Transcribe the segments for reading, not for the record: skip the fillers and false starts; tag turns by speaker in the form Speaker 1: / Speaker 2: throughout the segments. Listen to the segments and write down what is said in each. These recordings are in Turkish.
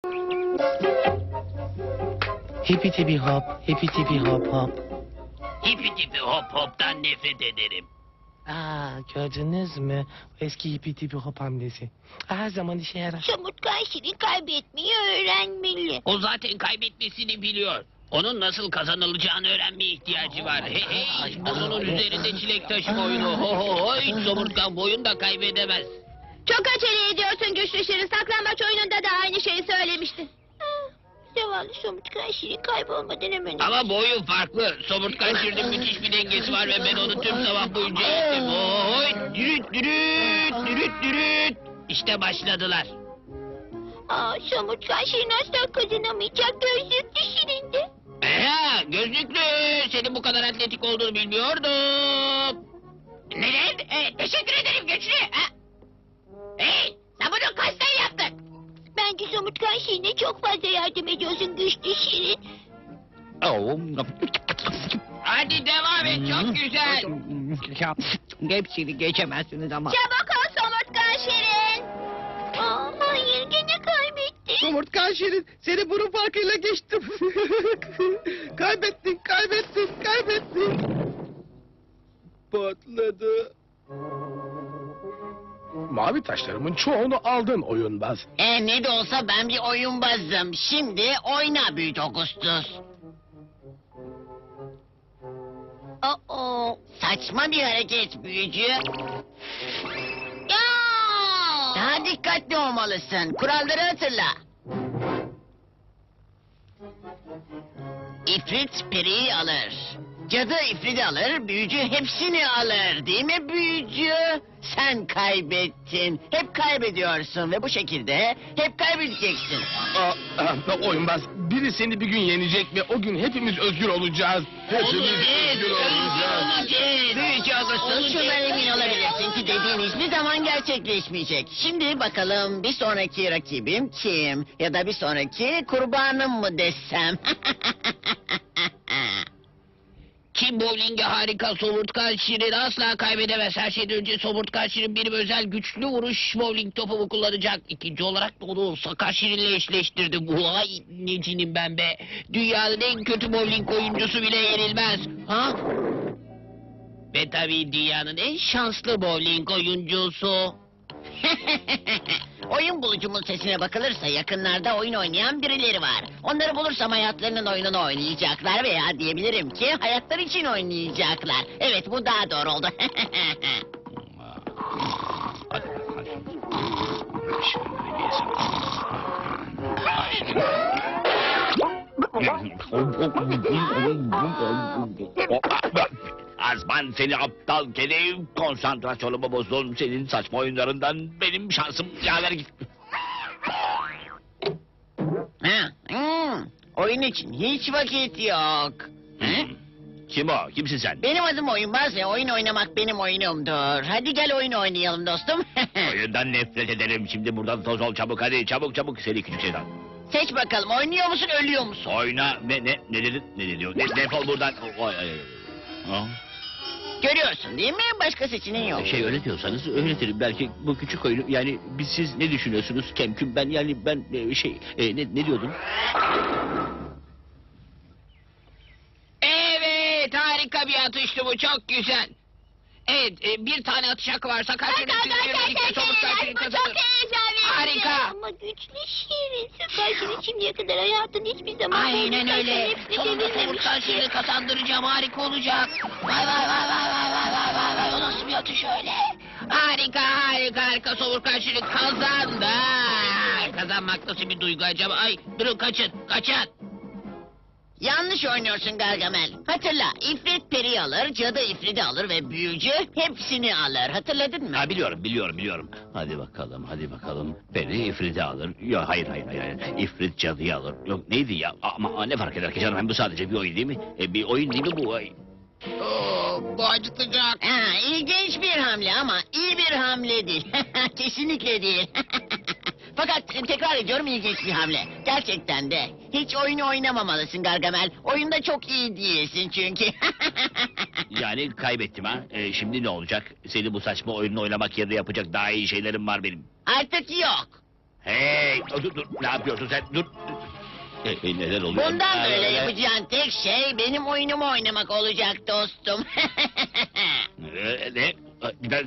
Speaker 1: Hipi tipi hop, hipi tipi hop hop.
Speaker 2: Hipi tipi hop hop'tan nefret ederim.
Speaker 1: Gördünüz mü? Eski hipi tipi hop hamlesi. Her zaman işe yarar.
Speaker 3: Somurtkan Şirin kaybetmeyi öğrenmeli.
Speaker 2: O zaten kaybetmesini biliyor. Onun nasıl kazanılacağını öğrenmeye ihtiyacı var. Hey hey, burnunun üzerinde çilek taşıma oyunu. Ho ho ho, hiç somurtkan bu oyunu da kaybedemez.
Speaker 3: Çok acele ediyorsun güçlü Şirin. Saklambaç oyununda da aynı şeyi söylemiştin. Zavallı Somurtkan Şirin kaybolmadan hemen...
Speaker 2: Ama bu oyun farklı. Somurtkan Şirin'in müthiş bir dengesi var ve ben onu tüm sabah boyunca eğittim. Oy, dürüt dürüt, dürüt dürüt. İşte başladılar.
Speaker 3: Somurtkan Şirin asla kazanamayacak, gözlüklü Şirin'di.
Speaker 2: Gözlüklü, senin bu kadar atletik olduğunu bilmiyordum. Neden? Teşekkür ederim güçlü. Hey, sen bunu kaçtan yaptın?
Speaker 3: Bence Somurtkan Şirin'e çok fazla yardım ediyorsun güçlü Şirin.
Speaker 2: Hadi devam et, çok güzel.
Speaker 4: Hepsini geçemezsiniz ama.
Speaker 3: Çabuk ol Somurtkan Şirin. Hayır, gene kaybetti.
Speaker 4: Somurtkan Şirin, seni burun farkıyla geçtim. kaybettin. Patladı.
Speaker 1: Mavi taşlarımın çoğunu aldın oyunbaz.
Speaker 5: Ne de olsa ben bir oyunbazım. Şimdi oyna Büyük Augustus. Saçma bir hareket büyücü.
Speaker 3: Ya!
Speaker 5: Daha dikkatli olmalısın. Kuralları hatırla. İfrit periyi alır. Cadı ifridi alır, büyücü hepsini alır. Değil mi büyücü? Sen kaybettin. Hep kaybediyorsun ve bu şekilde hep kaybedeceksin.
Speaker 1: Oyunbaz, biri seni bir gün yenecek ve o gün hepimiz özgür olacağız.
Speaker 5: Büyücü Augustus, şundan emin olabilirsin ki dediğin hiçbir zaman gerçekleşmeyecek. Şimdi bakalım bir sonraki rakibim kim? Ya da bir sonraki kurbanım mı desem?
Speaker 2: Kim bowling'e harika, Somurtkan Şirin asla kaybedemez. Her şeyden önce Somurtkan Şirin benim özel güçlü vuruş bowling topumu kullanacak. İkinci olarak da onu Sakar Şirin'le eşleştirdim. Vay necinim ben be. Dünyanın en kötü bowling oyuncusu bile yenilmez. Ha? Ve tabii dünyanın en şanslı bowling oyuncusu.
Speaker 5: Oyun bulucumun sesine bakılırsa yakınlarda oyun oynayan birileri var. Onları bulursam hayatlarının oyununu oynayacaklar veya diyebilirim ki hayatlar için oynayacaklar. Evet, bu daha doğru oldu.
Speaker 6: Azman seni aptal kedi, konsantrasyonumu bozdun senin saçma oyunlarından, benim şansım yaver git.
Speaker 5: Oyun için hiç vakit yok.
Speaker 6: Kim o? Kimsin sen?
Speaker 5: Benim adım Oyunbaz ve oyun oynamak benim oyunumdur. Hadi gel oyun oynayalım dostum.
Speaker 6: Oyundan nefret ederim. Şimdi buradan toz ol çabuk, hadi çabuk seni küçük şeytan.
Speaker 5: Seç bakalım, oynuyor musun ölüyor musun?
Speaker 6: Oyna ne dedin? Ne diyor? Defol buradan. Ha?
Speaker 5: Görüyorsun değil mi? Başka seçeneğin yok.
Speaker 6: Öyle diyorsanız öğretirim. Belki bu küçük oyunu, yani siz ne düşünüyorsunuz Kemküm? Ben ne diyordum?
Speaker 2: Evet, harika bir atıştı bu, çok güzel. Evet, bir tane atış hakkı var. Sakar Şirin birlikte Somurtkan Şirin
Speaker 3: Bu çok
Speaker 2: kazanır.
Speaker 3: heyecanlı.
Speaker 2: Harika.
Speaker 3: Ama güçlü Şirin. Sakar Şirin şimdiye kadar hayatın hiçbir zaman...
Speaker 2: Aynen öyle. Sonunda Somurtkan Şirin'i kazandıracağım, harika olacak. Vay. O nasıl bir atış öyle? Harika. Somurtkan Şirin kazandı. Kazanmak nasıl bir duygu acaba? Ay, durun, kaçın.
Speaker 5: Yanlış oynuyorsun Gargamel. Hatırla, ifrit peri alır, cadı ifridi alır ve büyücü hepsini alır. Hatırladın mı?
Speaker 6: Ha, biliyorum. Hadi bakalım. Peri ifriti alır. Yok, hayır. İfrit cadıyı alır. Yok, neydi ya? Ama ne fark eder ki canım? Hem bu sadece bir oyun değil mi? Bir oyun değil mi bu?
Speaker 2: Bu acıtacak.
Speaker 5: İlginç bir hamle ama iyi bir hamle değil. Kesinlikle değil. Fakat tekrar ediyorum, ilginç bir hamle. Gerçekten de. Hiç oyunu oynamamalısın Gargamel. Oyunda çok iyi değilsin çünkü.
Speaker 6: Yani kaybettim ha. Şimdi ne olacak? Seni bu saçma oyunu oynamak yerine yapacak daha iyi şeylerim var benim.
Speaker 5: Artık yok.
Speaker 6: Hey, dur, ne yapıyorsun sen? Dur. Neler oluyor?
Speaker 5: Bundan böyle yapacağın tek şey benim oyunumu oynamak olacak dostum.
Speaker 6: Ne? Ben...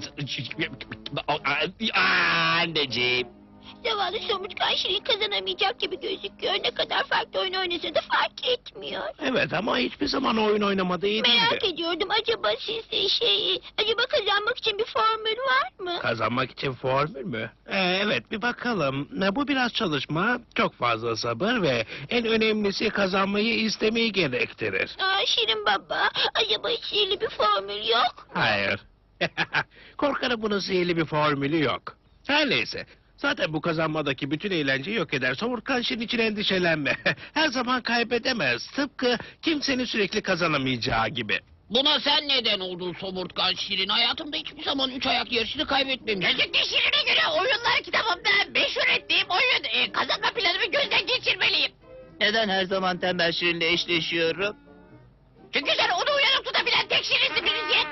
Speaker 6: Anneciğim.
Speaker 3: Zavallı somurtkan Şirin kazanamayacak gibi gözüküyor. Ne kadar farklı oyun oynasa da fark etmiyor.
Speaker 1: Evet ama hiçbir zaman oyun oynamadı iyi
Speaker 3: Merak ediyordum acaba sizde acaba kazanmak için bir formül var mı?
Speaker 1: Kazanmak için formül mü? Evet bir bakalım. Bu biraz çalışma, çok fazla sabır ve en önemlisi kazanmayı istemeyi gerektirir.
Speaker 3: Aa, Şirin baba acaba sihirli bir formül yok?
Speaker 1: Hayır. Korkarım bunun sihirli bir formülü yok. Her neyse. Zaten bu kazanmadaki bütün eğlenceyi yok eder. Somurtkan Şirin için endişelenme. Her zaman kaybedemez. Tıpkı kimsenin sürekli kazanamayacağı gibi.
Speaker 2: Buna sen neden oldun somurtkan Şirin? Hayatımda hiçbir zaman 3 ayak yarışını kaybetmemiştim.
Speaker 5: Gözlüklü Şirin'e göre oyunlar kitabımda meşhur ettiğim oyun kazanma planımı gözden geçirmeliyim.
Speaker 4: Neden her zaman tembel Şirin'le eşleşiyorum?
Speaker 5: Çünkü sen onu uyanık tutabilen tek Şirin'sin Bilge.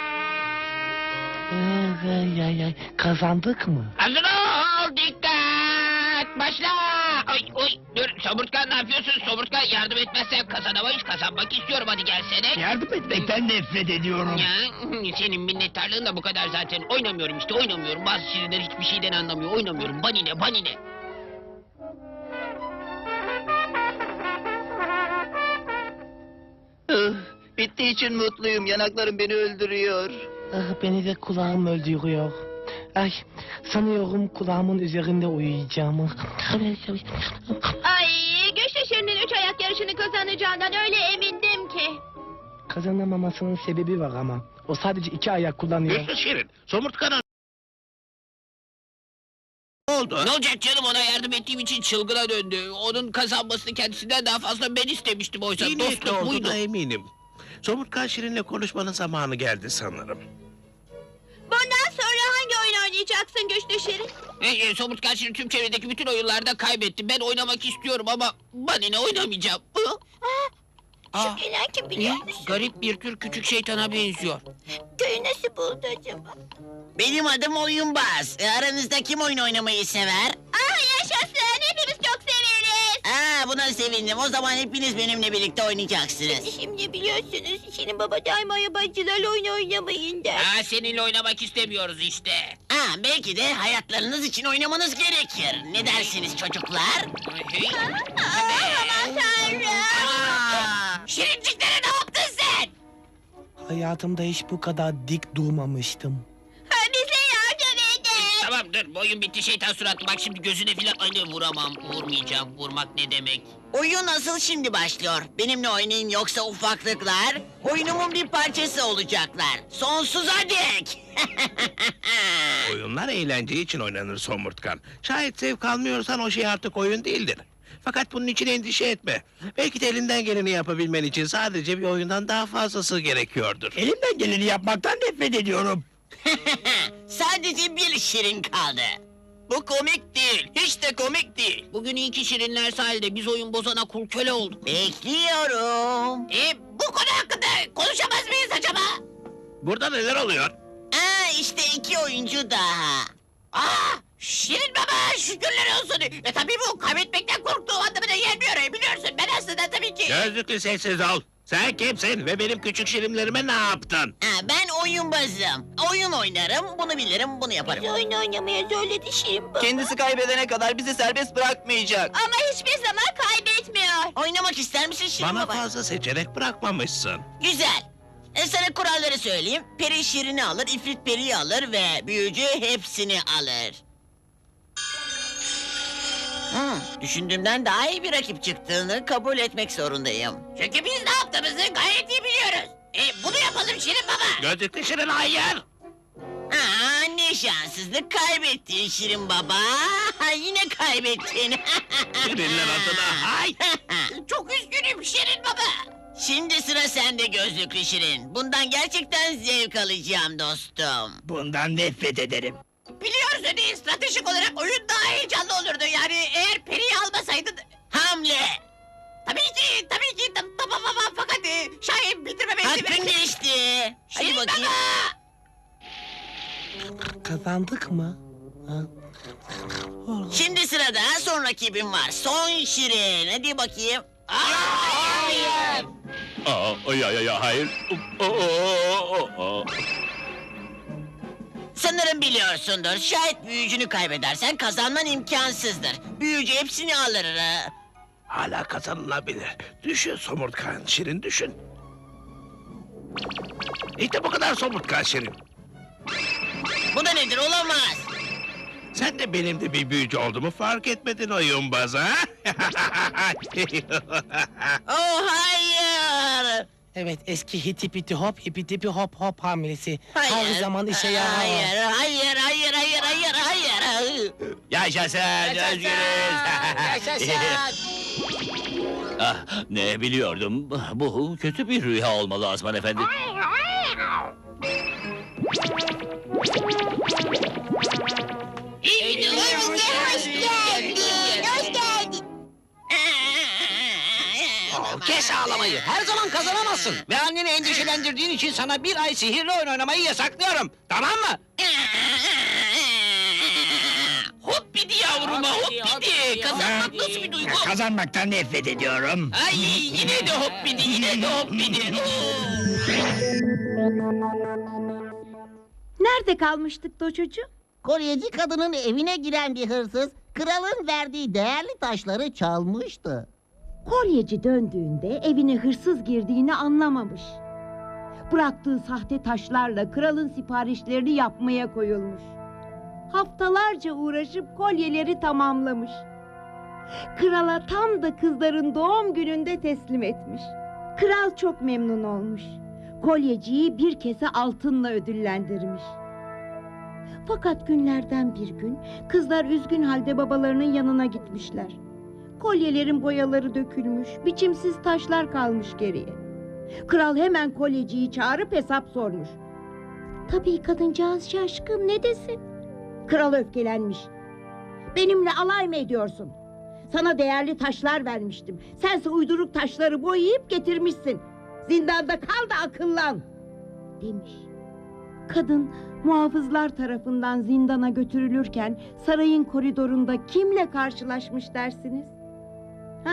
Speaker 1: Ay, kazandık mı?
Speaker 2: Hazır ol, dikkat, başla. Ay, oy, dur, somurtkan ne yapıyorsun? Somurtkan yardım etmezsen kazanamayız. Kazanmak istiyorum, hadi gelsene.
Speaker 1: Yardım etmekten nefret ediyorum.
Speaker 2: Ya, senin minnettarlığın da bu kadar zaten. Oynamıyorum işte, oynamıyorum. Bazı şirinler hiçbir şeyden anlamıyor. Oynamıyorum, banine, banine.
Speaker 4: Bittiği için mutluyum. Yanaklarım beni öldürüyor.
Speaker 1: Ah, beni de kulağım öldürüyor. Ay, sanıyorum kulağımın üzerinde uyuyacağım.
Speaker 3: Ay Güçlü Şirin'in 3 ayak yarışını kazanacağından öyle emindim ki.
Speaker 1: Kazanamamasının sebebi var ama. O sadece 2 ayak kullanıyor.
Speaker 6: Güçlü Şirin, somurtkanın... Ne oldu?
Speaker 2: Ne olacak canım, ona yardım ettiğim için çılgına döndü. Onun kazanmasını kendisinden daha fazla ben istemiştim oysa.
Speaker 7: İyi niyetli
Speaker 2: Dostum buydu.
Speaker 7: olduğuna eminim. Somurtkan Şirin'le konuşmanın zamanı geldi sanırım.
Speaker 3: Bundan sonra hangi oyun oynayacaksın Güçlü Şirin?
Speaker 2: Somurtkan Şirin tüm çevredeki bütün oyunlarda kaybetti. Ben oynamak istiyorum ama banine oynamayacağım. Aa,
Speaker 3: Şu gelen kim biliyor musun?
Speaker 2: garip bir tür küçük şeytana benziyor.
Speaker 3: Köyü nasıl buldu acaba?
Speaker 5: Benim adım Oyunbaz. Aranızda kim oyun oynamayı sever?
Speaker 3: Ah yaşasın hepimiz çok severiz.
Speaker 5: Buna sevindim. O zaman hepiniz benimle birlikte oynayacaksınız.
Speaker 3: Şimdi biliyorsunuz Şirin baba daima yabancılarla oyun oynamayın der.
Speaker 2: Seninle oynamak istemiyoruz işte.
Speaker 5: Belki de hayatlarınız için oynamanız gerekir. Ne dersiniz çocuklar?
Speaker 3: Aman tanrım.
Speaker 5: Şirinciklere ne yaptın sen?
Speaker 1: Hayatımda hiç bu kadar dik durmamıştım.
Speaker 3: Bize yardım edin.
Speaker 2: Tamam dur, bu oyun bitti şeytan suratlı. Bak şimdi gözüne filan vuramam. Vurmayacağım. Vurmak ne demek?
Speaker 5: Oyun asıl şimdi başlıyor. Benimle oynayın yoksa ufaklıklar oyunumun bir parçası olacaklar. Sonsuza dek.
Speaker 7: Oyunlar eğlence için oynanır Somurtkan. Şayet zevk almıyorsan o şey artık oyun değildir. Fakat bunun için endişe etme. Belki de elinden geleni yapabilmen için sadece bir oyundan daha fazlası gerekiyordur.
Speaker 1: Elimden geleni yapmaktan nefret ediyorum.
Speaker 5: Sadece bir şirin kaldı.
Speaker 2: Bu komik değil. Hiç de komik değil. Bugün iyi ki şirinler sahilde. Biz oyun bozana kul köle olduk.
Speaker 5: Bekliyorum.
Speaker 2: Bu konu hakkında konuşamaz mıyız acaba?
Speaker 6: Burada neler oluyor?
Speaker 5: İşte 2 oyuncu daha.
Speaker 2: Şirin baba şükürler olsun. Tabii bu kaybetmekten korktuğu anlamına gelmiyor. Biliyorsun ben aslında tabii ki...
Speaker 7: Gözlüklü sessiz ol. Sen kimsin ve benim küçük şirinlerime ne yaptın?
Speaker 5: Ben oyunbazım. Oyun oynarım, bunu bilirim, bunu yaparım.
Speaker 3: Bizi oyun oynamaya söyledi Şirin baba.
Speaker 4: Kendisi kaybedene kadar bizi serbest bırakmayacak.
Speaker 3: Ama hiçbir zaman kaybetmiyor.
Speaker 5: Oynamak ister misin Şirin
Speaker 7: Bana
Speaker 5: baba?
Speaker 7: fazla seçenek bırakmamışsın.
Speaker 5: Güzel. Sana kuralları söyleyeyim. Peri Şirin'i alır, İfrit Peri'yi alır ve büyücü hepsini alır. Düşündüğümden daha iyi bir rakip çıktığını kabul etmek zorundayım.
Speaker 2: Çünkü biz ne yaptığımızı gayet iyi biliyoruz. Bunu yapalım Şirin baba.
Speaker 7: Gözlüklü Şirin hayır.
Speaker 5: Ne şanssızlık, kaybettin Şirin baba. Yine kaybettin.
Speaker 7: Şirinler adına hay.
Speaker 5: Çok üzgünüm Şirin baba. Şimdi sıra sende gözlüklü Şirin. Bundan gerçekten zevk alacağım dostum.
Speaker 7: Bundan nefret ederim.
Speaker 2: Biliyorsun stratejik olarak oyun daha heyecanlı olurdu. Yani eğer Peri'yi almasaydın...
Speaker 5: Hamle.
Speaker 2: Tabii ki tamam fakat şayet bitirmeme
Speaker 5: Hakkın geçti. Hadi
Speaker 2: Şirin
Speaker 5: bakayım.
Speaker 2: baba.
Speaker 1: Kazandık mı? Ha?
Speaker 5: Şimdi sırada son rakibim var. Son Şirin. Hadi bakayım. Hayır.
Speaker 6: Hayır.
Speaker 5: Sanırım biliyorsundur. Şayet büyücünü kaybedersen kazanman imkansızdır. Büyücü hepsini alır.
Speaker 7: Hala kazanılabilir. Düşün somurtkan Şirin, düşün. İşte bu kadar somurtkan Şirin.
Speaker 5: Bu da nedir? Olamaz.
Speaker 7: Sen de benim de bir büyücü olduğumu fark etmedin oyunbaz ha?
Speaker 5: Oh hayır.
Speaker 8: Evet, eski hiti hop hipi tipi hop hop hamlesi.
Speaker 5: Hayır.
Speaker 8: Her zaman işe yarar.
Speaker 5: Hayır.
Speaker 6: Yaşasın, özgürüz. Ah, ne biliyordum. Bu kötü bir rüya olmalı Azman Efendi.
Speaker 3: Hoş geldin.
Speaker 2: Kes ağlamayı. Her zaman kazanamazsın. Ve anneni endişelendirdiğin için sana bir ay sihirli oyun oynamayı yasaklıyorum. Tamam mı? Hoppidi yavruma hoppidi. Kazanmak nasıl bir duygu?
Speaker 6: Kazanmaktan nefret ediyorum.
Speaker 2: Ay yine de hoppidi, yine de hoppidi.
Speaker 3: Nerede kalmıştık Doçocuğum?
Speaker 9: Kolyeci kadının evine giren bir hırsız kralın verdiği değerli taşları çalmıştı.
Speaker 10: Kolyeci döndüğünde evine hırsız girdiğini anlamamış. Bıraktığı sahte taşlarla kralın siparişlerini yapmaya koyulmuş. Haftalarca uğraşıp kolyeleri tamamlamış. Krala tam da kızların doğum gününde teslim etmiş. Kral çok memnun olmuş. Kolyeciyi bir kese altınla ödüllendirmiş. Fakat günlerden bir gün kızlar üzgün halde babalarının yanına gitmişler. Kolyelerin boyaları dökülmüş, biçimsiz taşlar kalmış geriye. Kral hemen kolyeciyi çağırıp hesap sormuş. Tabii kadıncağız şaşkın, ne desin? Kral öfkelenmiş. Benimle alay mı ediyorsun? Sana değerli taşlar vermiştim. Sense uyduruk taşları boyayıp getirmişsin. Zindanda kal da akıllan, demiş. Kadın muhafızlar tarafından zindana götürülürken sarayın koridorunda kimle karşılaşmış dersiniz? Ha?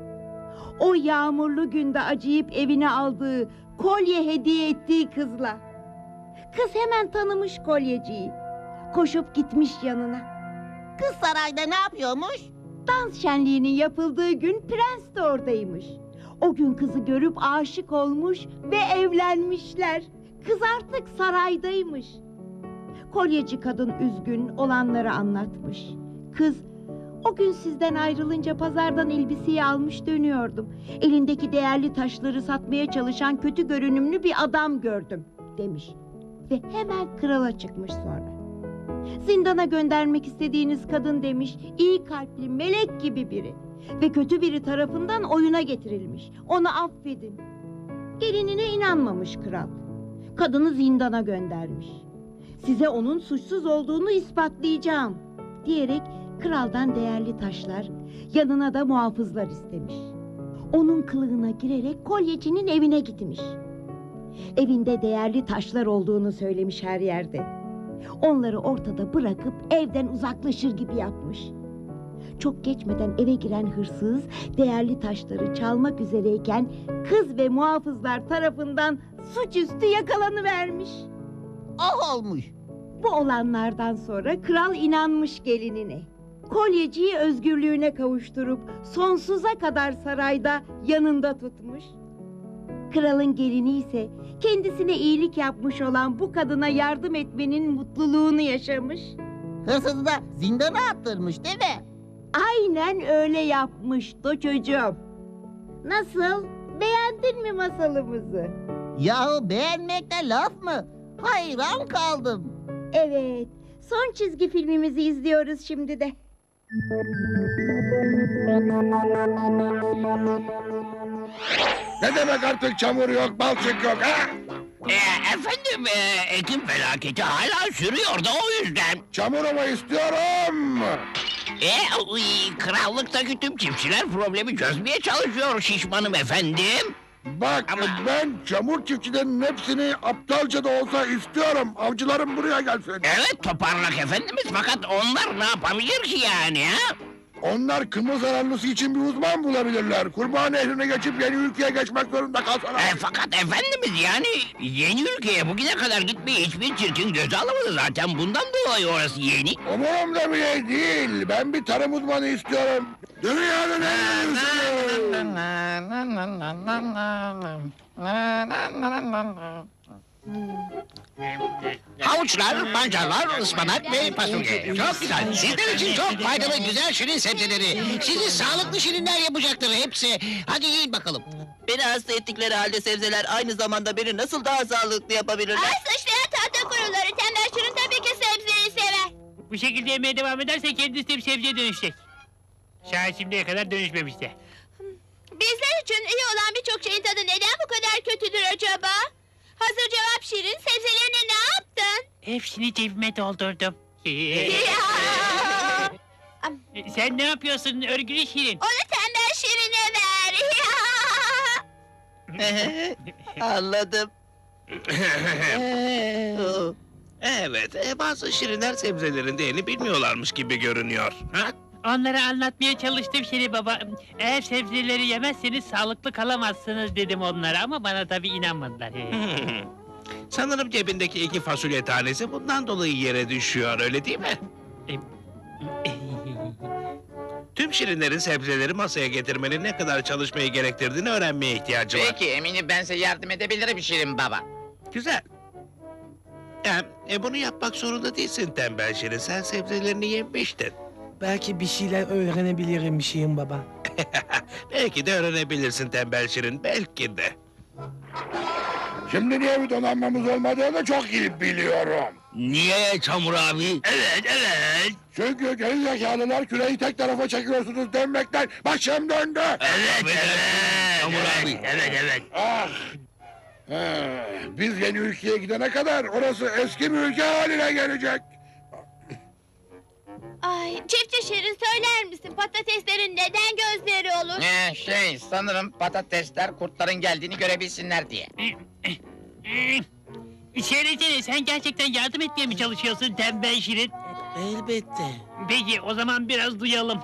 Speaker 10: O yağmurlu günde acıyıp evine aldığı, kolye hediye ettiği kızla. Kız hemen tanımış kolyeciyi. Koşup gitmiş yanına.
Speaker 9: Kız sarayda ne yapıyormuş?
Speaker 10: Dans şenliğinin yapıldığı gün prens de oradaymış. O gün kızı görüp aşık olmuş ve evlenmişler. Kız artık saraydaymış. Kolyeci kadın üzgün olanları anlatmış. Kız, o gün sizden ayrılınca pazardan elbiseyi almış dönüyordum. Elindeki değerli taşları satmaya çalışan kötü görünümlü bir adam gördüm, demiş. Ve hemen krala çıkmış sonra. Zindana göndermek istediğiniz kadın demiş, iyi kalpli, melek gibi biri. Ve kötü biri tarafından oyuna getirilmiş. Onu affedin. Gelinine inanmamış kral. Kadını zindana göndermiş. Size onun suçsuz olduğunu ispatlayacağım, diyerek kraldan değerli taşlar, yanına da muhafızlar istemiş. Onun kılığına girerek kolyecinin evine gitmiş. Evinde değerli taşlar olduğunu söylemiş her yerde. Onları ortada bırakıp evden uzaklaşır gibi yapmış. Çok geçmeden eve giren hırsız değerli taşları çalmak üzereyken kız ve muhafızlar tarafından suçüstü yakalanıvermiş.
Speaker 9: Ah olmuş.
Speaker 10: Bu olanlardan sonra kral inanmış gelinine. Kolyeciyi özgürlüğüne kavuşturup sonsuza kadar sarayda yanında tutmuş. Kralın gelini ise kendisine iyilik yapmış olan bu kadına yardım etmenin mutluluğunu yaşamış.
Speaker 9: Hırsızı da zindana attırmış değil mi?
Speaker 10: Aynen öyle yapmış çocuğum. Nasıl? Beğendin mi masalımızı?
Speaker 9: Yahu beğenmekte laf mı? Hayran kaldım.
Speaker 10: Evet, son çizgi filmimizi izliyoruz şimdi de.
Speaker 1: Ne demek artık çamur yok, balçık yok ha?
Speaker 2: Efendim, ekim felaketi hala sürüyor da o yüzden.
Speaker 1: Çamur mu istiyorum?
Speaker 2: Krallıktaki tüm çiftçiler problemi çözmeye çalışıyor şişmanım efendim.
Speaker 11: Bak
Speaker 6: Ama-
Speaker 11: ben çamur çiftçilerinin hepsini aptalca da olsa istiyorum. Avcılarım buraya gelsin.
Speaker 6: Evet toparlak efendimiz fakat onlar ne yapabilir ki yani ha?
Speaker 11: Onlar kımıl zararlısı için bir uzman bulabilirler. Kurbağa Nehri'ne geçip yeni ülkeye geçmek zorunda kalsalar.
Speaker 6: Fakat efendimiz yani yeni ülkeye bugüne kadar gitmeyi hiçbir çirkin göze alamadı zaten bundan dolayı orası yeni.
Speaker 11: Umurumda bile değil. Ben bir tarım uzmanı istiyorum. Dünyanın en iyisini.
Speaker 2: Havuçlar, pancarlar, ıspanak ve fasulye. Çok güzel. Sizler için çok faydalı güzel şirin sebzeleri. Sizi sağlıklı şirinler yapacaktır hepsi. Hadi yiyin bakalım.
Speaker 4: Beni hasta ettikleri halde sebzeler aynı zamanda beni nasıl daha sağlıklı yapabilirler?
Speaker 3: Ay sıçrayan tahta kuruları. Tembel Şirin tabii ki sebzeyi sever.
Speaker 2: Bu şekilde yemeye devam ederse kendisi de bir sebzeye dönüşecek. Şayet şimdiye kadar dönüşmemişti.
Speaker 3: Bizler için iyi olan birçok şeyin tadı neden bu kadar kötüdür acaba? Hazır cevap Şirin. Sebzelerine ne yaptın?
Speaker 2: Hepsini cebime doldurdum. Sen ne yapıyorsun örgülü Şirin?
Speaker 3: Onu tembel Şirin'e ver.
Speaker 4: Anladım.
Speaker 7: Evet, bazı şirinler sebzelerin değerini bilmiyorlarmış gibi görünüyor. Ha?
Speaker 2: Onlara anlatmaya çalıştım Şirin baba. Eğer sebzeleri yemezseniz sağlıklı kalamazsınız dedim onlara ama bana tabii inanmadılar.
Speaker 7: Sanırım cebindeki 2 fasulye tanesi bundan dolayı yere düşüyor, öyle değil mi? Tüm şirinlerin sebzeleri masaya getirmenin ne kadar çalışmayı gerektirdiğini öğrenmeye ihtiyacı var.
Speaker 5: Peki eminim ben size yardım edebilirim Şirin Baba.
Speaker 7: Güzel. Bunu yapmak zorunda değilsin tembel şirin. Sen sebzelerini yemiştin.
Speaker 8: Belki bir şeyler öğrenebilirim Şirin baba.
Speaker 7: Belki de öğrenebilirsin tembel şirin, belki de.
Speaker 11: Şimdi niye bir donanmamız olmadığını çok iyi biliyorum.
Speaker 6: Niye Çamur abi? Evet.
Speaker 11: Çünkü gerizekalılar küreyi tek tarafa çekiyorsunuz denmekten başım döndü.
Speaker 6: Evet. Çamur abi. Evet.
Speaker 11: Ah! Biz yeni ülkeye gidene kadar orası eski bir ülke haline gelecek.
Speaker 3: Ay çiftçi Şirin söyler misin? Patateslerin neden gözleri olur?
Speaker 5: Sanırım patatesler kurtların geldiğini görebilsinler diye.
Speaker 2: Söylesene sen gerçekten yardım etmeye mi çalışıyorsun tembel Şirin?
Speaker 8: Elbette.
Speaker 2: Peki o zaman biraz duyalım.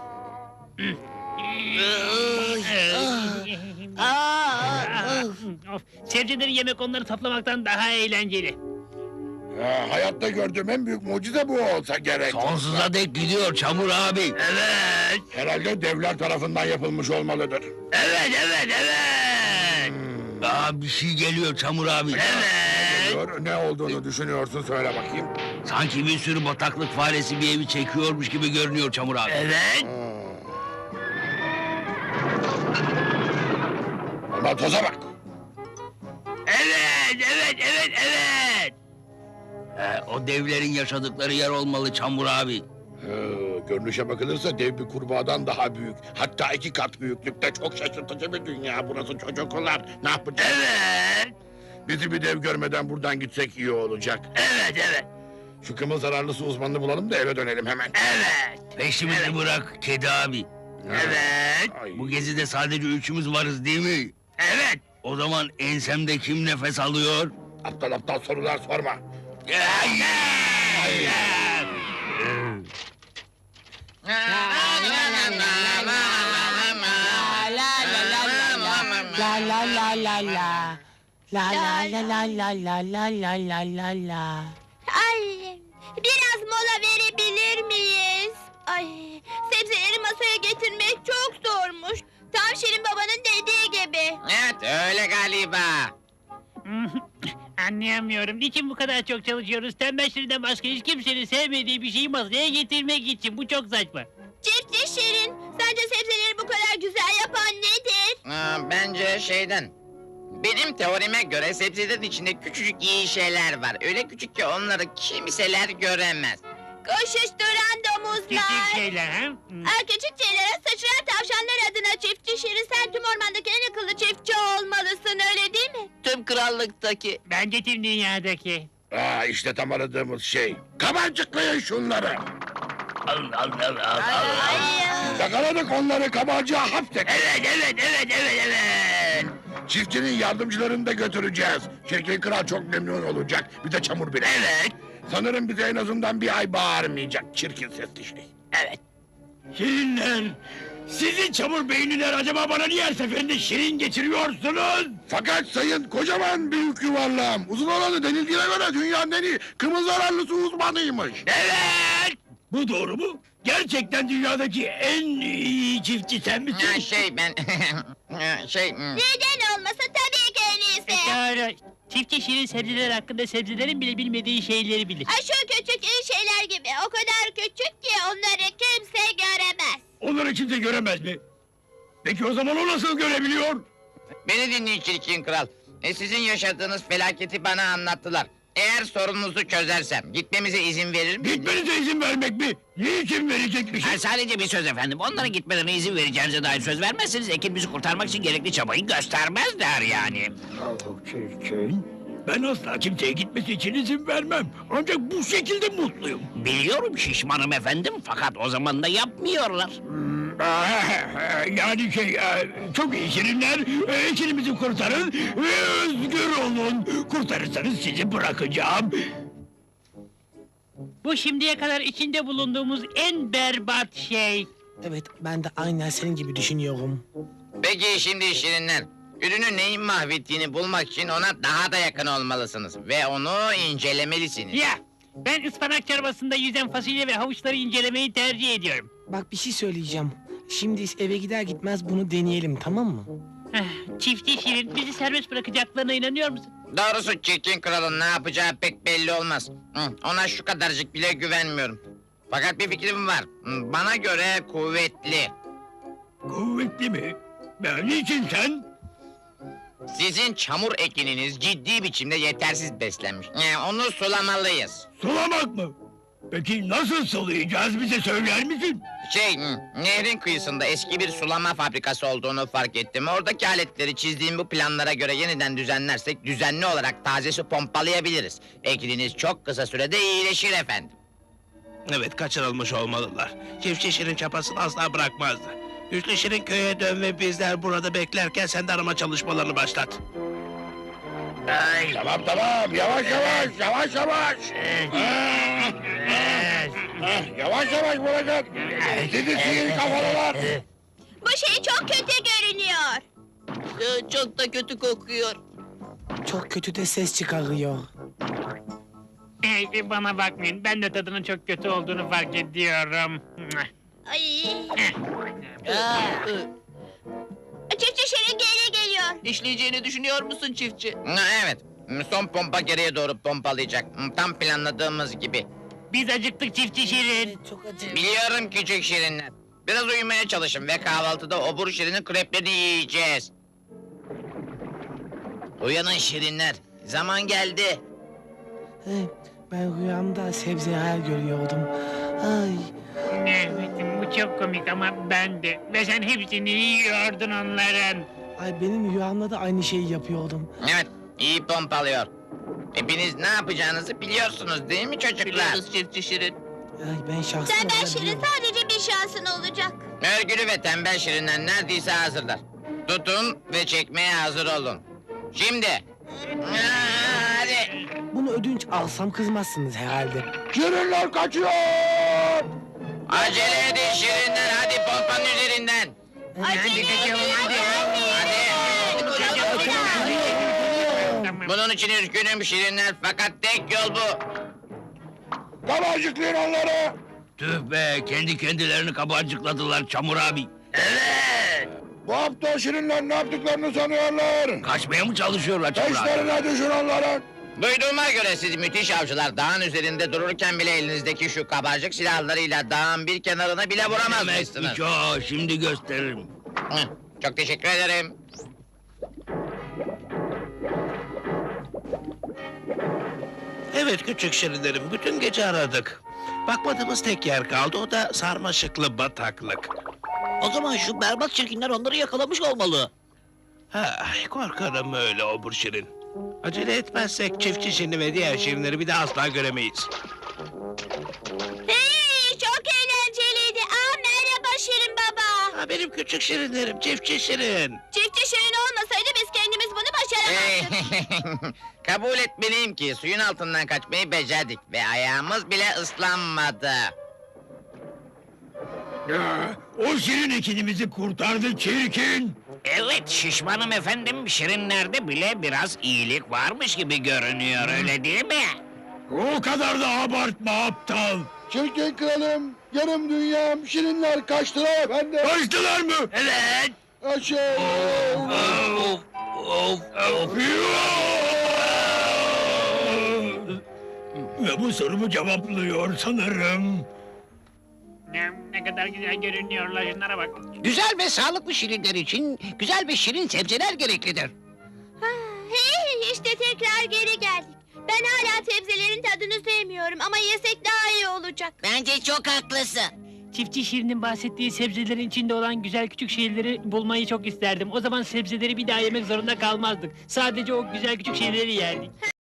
Speaker 2: Of, sebzeleri yemek onları toplamaktan daha eğlenceli.
Speaker 11: Hayatta gördüğüm en büyük mucize bu olsa gerek.
Speaker 6: Sonsuza dek gidiyor Çamur abi. Evet.
Speaker 11: Herhalde devler tarafından yapılmış olmalıdır.
Speaker 6: Evet. Daha bir şey geliyor Çamur abi.
Speaker 11: Ne olduğunu düşünüyorsun söyle bakayım.
Speaker 6: Sanki bir sürü bataklık faresi bir evi çekiyormuş gibi görünüyor Çamur abi. Evet.
Speaker 11: Ama toza bak.
Speaker 6: Evet. O devlerin yaşadıkları yer olmalı Çamur abi.
Speaker 11: Görünüşe bakılırsa dev bir kurbağadan daha büyük. Hatta 2 kat büyüklükte çok şaşırtıcı bir dünya burası çocuklar. Ne yapacağız?
Speaker 6: Evet.
Speaker 11: Bizi bir dev görmeden buradan gitsek iyi olacak.
Speaker 6: Evet.
Speaker 11: Şu kımıl zararlısı uzmanını bulalım da eve dönelim hemen.
Speaker 6: Peşimizi bırak kedi abi. Evet.
Speaker 11: Ay.
Speaker 6: Bu gezide sadece üçümüz varız değil mi? Evet. O zaman ensemde kim nefes alıyor?
Speaker 11: Aptal sorular sorma.
Speaker 8: La la la la la. La la la la la la la la la la la.
Speaker 3: Ay biraz mola verebilir miyiz? Ay sebzeleri masaya getirmek çok zormuş. Tam Şirin babanın dediği gibi.
Speaker 5: Evet öyle galiba.
Speaker 2: Anlayamıyorum. Niçin bu kadar çok çalışıyoruz? Tembel Şirin'den başka hiç kimsenin sevmediği bir şeyi masaya getirmek için. Bu çok saçma.
Speaker 3: Çiftçi Şirin, sence sebzeleri bu kadar güzel yapan nedir?
Speaker 5: Bence benim teorime göre sebzelerin içinde küçücük iyi şeyler var. Öyle küçük ki onları kimseler göremez.
Speaker 3: Koşuşturan domuzlar.
Speaker 2: Küçük şeyler ha?
Speaker 3: Küçük şeylere sıçrayan tavşanlar adına çiftçi Şirin, sen tüm ormandaki en akıllı çiftçi olmalısın, öyle değil mi?
Speaker 4: Tüm krallıktaki.
Speaker 2: Bence tüm dünyadaki.
Speaker 11: İşte tam aradığımız şey. Kabarcıklayın şunları.
Speaker 3: Ay ya.
Speaker 11: Yakaladık onları kabarcığa hapsettik.
Speaker 6: Evet.
Speaker 11: Çiftçinin yardımcılarını da götüreceğiz. Şirkin kral çok memnun olacak. Bir de çamur bile. Evet. Sanırım bize en azından bir ay bağırmayacak çirkin sesli şey.
Speaker 5: Evet.
Speaker 7: Şirinler! Sizin çamur beyniler acaba bana niye her seferinde şirin getiriyorsunuz?
Speaker 11: Fakat sayın kocaman büyük yuvarlağım. Uzun olanı denildiğine göre dünyanın en iyi kımıl zararlısı uzmanıymış.
Speaker 7: Evet! Bu doğru mu? Gerçekten dünyadaki en iyi çiftçi sen misin?
Speaker 5: Ben...
Speaker 3: Neden olmasın tabii ki en iyisi.
Speaker 12: Doğru. Çiftçi şirin sebzeler hakkında sebzelerin bile bilmediği şeyleri bilir.
Speaker 3: Ay şu küçük iyi şeyler gibi. O kadar küçük ki onları kimse göremez.
Speaker 7: Onları kimse göremez mi? Peki o zaman o nasıl görebiliyor?
Speaker 5: Beni dinleyin çirkin kral. Sizin yaşadığınız felaketi bana anlattılar. Eğer sorununuzu çözersem gitmemize izin verir misiniz?
Speaker 7: Gitmenize izin vermek mi? Niçin verecekmişim?
Speaker 6: Sadece bir söz efendim. Onların gitmelerine izin vereceğinize dair söz vermezseniz ekibimizi kurtarmak için gerekli çabayı göstermezler yani.
Speaker 7: Ben asla kimseye gitmesi için izin vermem. Ancak bu şekilde mutluyum.
Speaker 6: Biliyorum şişmanım efendim fakat o zaman da yapmıyorlar.
Speaker 7: Yani çok iyi şirinler, ekibimizi kurtarın ve özgür olun. Kurtarırsanız sizi bırakacağım.
Speaker 12: Bu şimdiye kadar içinde bulunduğumuz en berbat şey.
Speaker 8: Evet, ben de aynen senin gibi düşünüyorum.
Speaker 5: Peki şimdi şirinler. Ürünü neyin mahvettiğini bulmak için ona daha da yakın olmalısınız. Ve onu incelemelisiniz.
Speaker 12: Ya ben ıspanak çorbasında yüzen fasulye ve havuçları incelemeyi tercih ediyorum.
Speaker 8: Bak bir şey söyleyeceğim. Şimdi eve gider gitmez bunu deneyelim, tamam mı?
Speaker 12: Çiftçi şirin bizi serbest bırakacaklarına inanıyor musun?
Speaker 5: Doğrusu çirkin kralın ne yapacağı pek belli olmaz. Ona şu kadarcık bile güvenmiyorum. Fakat bir fikrim var. Bana göre kuvvetli.
Speaker 7: Kuvvetli mi? Niçin sen?
Speaker 5: Sizin çamur ekininiz ciddi biçimde yetersiz beslenmiş. Onu sulamalıyız.
Speaker 7: Sulamak mı? Peki nasıl sulayacağız bize söyler misin?
Speaker 5: Nehrin kıyısında eski bir sulama fabrikası olduğunu fark ettim. Oradaki aletleri çizdiğim bu planlara göre yeniden düzenlersek düzenli olarak taze su pompalayabiliriz. Ekininiz çok kısa sürede iyileşir efendim.
Speaker 1: Evet, kaçırılmış olmalılar. Çiftçi Şirin çapasını asla bırakmazdı. Güçlü Şirin köye dön ve bizler burada beklerken sen de arama çalışmalarını başlat.
Speaker 11: Tamam, yavaş yavaş. Yavaş yavaş vuracak. Sizi sihir kafalılar.
Speaker 3: Bu şey çok kötü görünüyor.
Speaker 4: Çok da kötü kokuyor.
Speaker 8: Çok kötü de ses çıkarıyor.
Speaker 12: Bana bakmayın ben de tadının çok kötü olduğunu fark ediyorum.
Speaker 3: Ay. Çiftçi Şirin geri geliyor.
Speaker 4: İşleyeceğini düşünüyor musun çiftçi?
Speaker 5: Evet. Son pompa geriye doğru pompalayacak. Tam planladığımız gibi.
Speaker 12: Biz acıktık çiftçi şirin.
Speaker 8: Çok acı.
Speaker 5: Biliyorum küçük şirinler. Biraz uyumaya çalışın ve kahvaltıda obur şirinin kreplerini yiyeceğiz. Uyanın şirinler. Zaman geldi.
Speaker 8: Ben rüyamda sebze hayal görüyordum. Ay.
Speaker 12: Evet bu çok komik ama ben de. Ve sen hepsini yiyordun onların.
Speaker 8: Ay benim rüyamda da aynı şeyi yapıyordum.
Speaker 5: Evet, iyi pompalıyor. Hepiniz ne yapacağınızı biliyorsunuz değil mi çocuklar?
Speaker 4: Biliyoruz çiftçi Şirin.
Speaker 8: Ay ben şahsen
Speaker 3: Tembel Şirin
Speaker 8: olabiliyorum.
Speaker 3: sadece bir şansın olacak.
Speaker 5: Örgülü ve tembel şirinler neredeyse hazırlar. Tutun ve çekmeye hazır olun. Şimdi. Hadi.
Speaker 8: Bunu ödünç alsam kızmazsınız herhalde.
Speaker 11: Şirinler kaçıyor.
Speaker 5: Acele edin şirinler, hadi pompanın üzerinden.
Speaker 3: Acele edin.
Speaker 5: Bunun için üzgünüm şirinler, fakat tek yol bu.
Speaker 11: Kabarcıklayın onları.
Speaker 6: Tüh be kendi kendilerini kabarcıkladılar Çamur abi.
Speaker 11: Bu hafta Şirinler ne yaptıklarını sanıyorlar.
Speaker 6: Kaçmaya mı çalışıyorlar Çamur abi?
Speaker 11: Peşlerine düşün onların.
Speaker 5: Duyduğuma göre siz müthiş avcılar dağın üzerinde dururken bile elinizdeki şu kabarcık silahlarıyla dağın bir kenarına bile vuramazmışsınız.
Speaker 6: Çok şimdi gösteririm.
Speaker 5: Çok teşekkür ederim.
Speaker 1: Evet küçük Şirinlerim, bütün gece aradık. Bakmadığımız tek yer kaldı, o da sarmaşıklı bataklık.
Speaker 4: O zaman şu berbat çirkinler onları yakalamış olmalı.
Speaker 1: Korkarım öyle obur Şirin. Acele etmezsek çiftçi Şirin'i ve diğer Şirinleri bir daha asla göremeyiz.
Speaker 3: Hey, çok eğlenceliydi. Merhaba Şirin Baba.
Speaker 1: Ha, benim küçük şirinlerim, çiftçi şirin.
Speaker 3: Çiftçi Şirin olmasaydı biz kendimiz bunu başaramazdık.
Speaker 13: Kabul etmeliyim ki suyun altından kaçmayı becerdik ve ayağımız bile ıslanmadı.
Speaker 11: O şirin ekinimizi kurtardı çirkin.
Speaker 2: Evet şişmanım efendim. Şirinlerde bile biraz iyilik varmış gibi görünüyor öyle değil mi?
Speaker 11: O kadar da abartma aptal. Çirkin kralım, yarım dünyam şirinler kaçtılar efendim. Kaçtılar mı?
Speaker 2: Evet.
Speaker 11: Ve bu sorumu cevaplıyor sanırım.
Speaker 12: Ne kadar güzel görünüyorlar şunlara bak.
Speaker 2: Güzel ve sağlıklı şirinler için güzel ve şirin sebzeler gereklidir.
Speaker 3: Hey, işte tekrar geri geldik. Ben hala sebzelerin tadını sevmiyorum ama yesek daha iyi olacak.
Speaker 5: Bence çok haklısın.
Speaker 12: Çiftçi Şirin'in bahsettiği sebzelerin içinde olan güzel küçük şeyleri bulmayı çok isterdim. O zaman sebzeleri bir daha yemek zorunda kalmazdık. Sadece o güzel küçük şeyleri yerdik.